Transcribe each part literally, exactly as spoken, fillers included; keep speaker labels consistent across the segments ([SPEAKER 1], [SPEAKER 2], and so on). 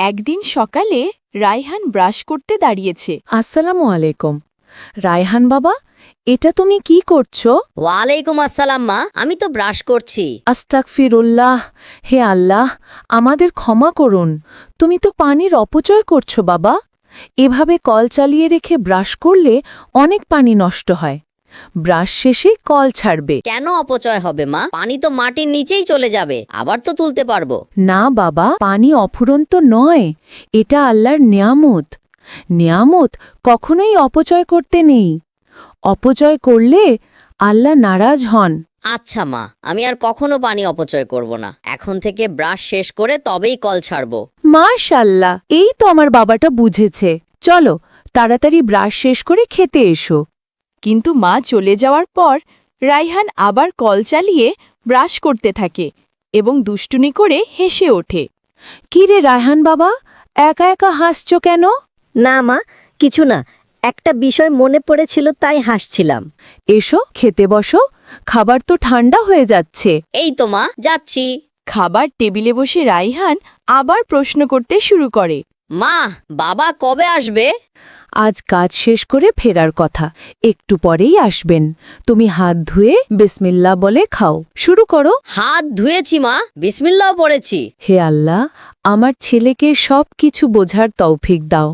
[SPEAKER 1] একদিন সকালে রায়হান ব্রাশ করতে দাঁড়িয়েছে।
[SPEAKER 2] আসসালামু আলাইকুম। রায়হান বাবা, এটা তুমি কি করছো?
[SPEAKER 3] ওয়ালাইকুম আসসালাম মা, আমি তো ব্রাশ করছি।
[SPEAKER 2] আস্তাগফিরুল্লাহ। হে আল্লাহ, আমাদের ক্ষমা করুন। তুমি তো পানির অপচয় করছো বাবা। এভাবে কল চালিয়ে রেখে ব্রাশ করলে অনেক পানি নষ্ট হয়। ব্রাশ শেষে কল ছাড়বে।
[SPEAKER 3] কেন অপচয় হবে মা? পানি তো মাটির নিচেই চলে যাবে, আবার তো তুলতে পারবো।
[SPEAKER 2] না বাবা, পানি অফুরন্ত নয়, এটা আল্লাহর নিয়ামত। নিয়ামত কখনোই অপচয় করতে নেই। অপচয় করলে আল্লাহ নারাজ হন।
[SPEAKER 3] আচ্ছা মা, আমি আর কখনো পানি অপচয় করব না। এখন থেকে ব্রাশ শেষ করে তবেই কল ছাড়বো।
[SPEAKER 2] মাশাআল্লাহ, এই তো আমার বাবাটা বুঝেছে। চলো তাড়াতাড়ি ব্রাশ শেষ করে খেতে এসো।
[SPEAKER 1] কিন্তু মা চলে যাওয়ার পর রায়হান আবার কল চালিয়ে ব্রাশ করতে থাকে এবং দুষ্টুনি করে হেসে ওঠে।
[SPEAKER 2] কি রে রায়হান বাবা, একা একা হাসছো কেন?
[SPEAKER 4] না মা, কিছু না, একটা বিষয় মনে পড়েছিল তাই হাসছিলাম।
[SPEAKER 2] এসো খেতে বসো, খাবার তো ঠান্ডা হয়ে যাচ্ছে।
[SPEAKER 3] এই তো মা, যাচ্ছি।
[SPEAKER 1] খাবার টেবিলে বসে রায়হান আবার প্রশ্ন করতে শুরু করে।
[SPEAKER 3] মা, বাবা কবে আসবে?
[SPEAKER 2] আজ কাজ শেষ করে ফেরার কথা, একটু পরেই আসবেন। তুমি হাত ধুয়ে বিসমিল্লাহ বলে খাও। শুরু করো।
[SPEAKER 3] হাত ধুয়েছি মা, বিসমিল্লাহ পড়েছি।
[SPEAKER 2] হে আল্লাহ, আমার ছেলেকে সব কিছু বোঝার তৌফিক দাও।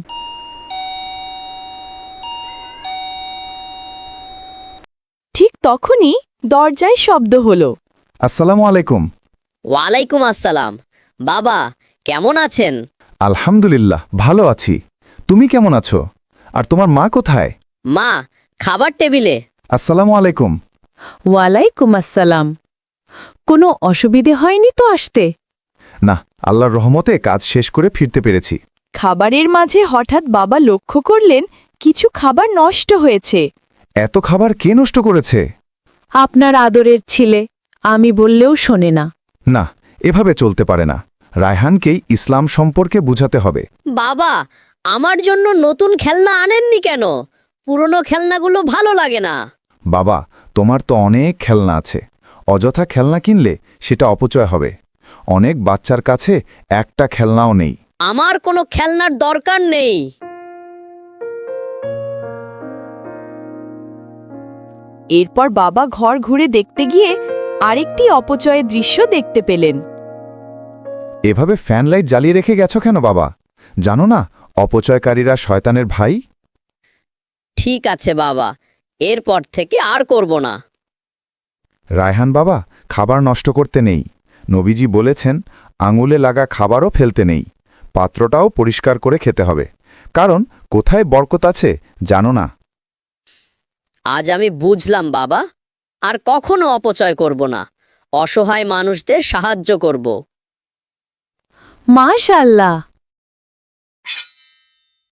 [SPEAKER 1] ঠিক তখনই দরজায় শব্দ হলো।
[SPEAKER 5] আসসালামু আলাইকুম।
[SPEAKER 3] ওয়ালাইকুম আসসালাম। বাবা, কেমন আছেন?
[SPEAKER 5] আলহামদুলিল্লাহ, ভালো আছি। তুমি কেমন আছো? আর তোমার মা কোথায়?
[SPEAKER 3] মা, খাবার টেবিলে।
[SPEAKER 5] আসসালামু আলাইকুম।
[SPEAKER 2] ওয়ালাইকুম আসসালাম। কোনো অসুবিধে হয়নি তো আসতে?
[SPEAKER 5] না, আল্লাহর রহমতে কাজ শেষ করে ফিরতে পেরেছি।
[SPEAKER 1] খাবারের মাঝে হঠাৎ বাবা লক্ষ্য করলেন কিছু খাবার নষ্ট হয়েছে।
[SPEAKER 5] এত খাবার কে নষ্ট করেছে?
[SPEAKER 2] আপনার আদরের ছেলে, আমি বললেও শোনে না।
[SPEAKER 5] না, এভাবে চলতে পারে না। রায়হানকেই ইসলাম সম্পর্কে বুঝাতে হবে।
[SPEAKER 3] বাবা, আমার জন্য নতুন খেলনা আনেননি কেন? পুরনো খেলনাগুলো ভালো লাগে না।
[SPEAKER 5] বাবা, তোমার তো অনেক খেলনা আছে। অযথা খেলনা কিনলে সেটা অপচয় হবে। অনেক বাচ্চার কাছে একটা খেলনাও নেই।
[SPEAKER 3] আমার কোনো খেলনার দরকার নেই।
[SPEAKER 1] এরপর বাবা ঘর ঘুরে দেখতে গিয়ে আরেকটি অপচয়ের দৃশ্য দেখতে পেলেন।
[SPEAKER 5] এভাবে ফ্যান লাইট জ্বালিয়ে রেখে গেছো কেন বাবা? জানো না অপচয়কারীরা শয়তানের ভাই?
[SPEAKER 3] ঠিক আছে বাবা, এরপর থেকে আর করব না।
[SPEAKER 5] রায়হান বাবা, খাবার নষ্ট করতে নেই। নবীজি বলেছেন, আঙুলে লাগা খাবারও ফেলতে নেই। পাত্রটাও পরিষ্কার করে খেতে হবে, কারণ কোথায় বরকত আছে জানো না।
[SPEAKER 3] আজ আমি বুঝলাম বাবা, আর কখনো অপচয় করব না। অসহায় মানুষদের সাহায্য করব।
[SPEAKER 2] মাশাআল্লাহ।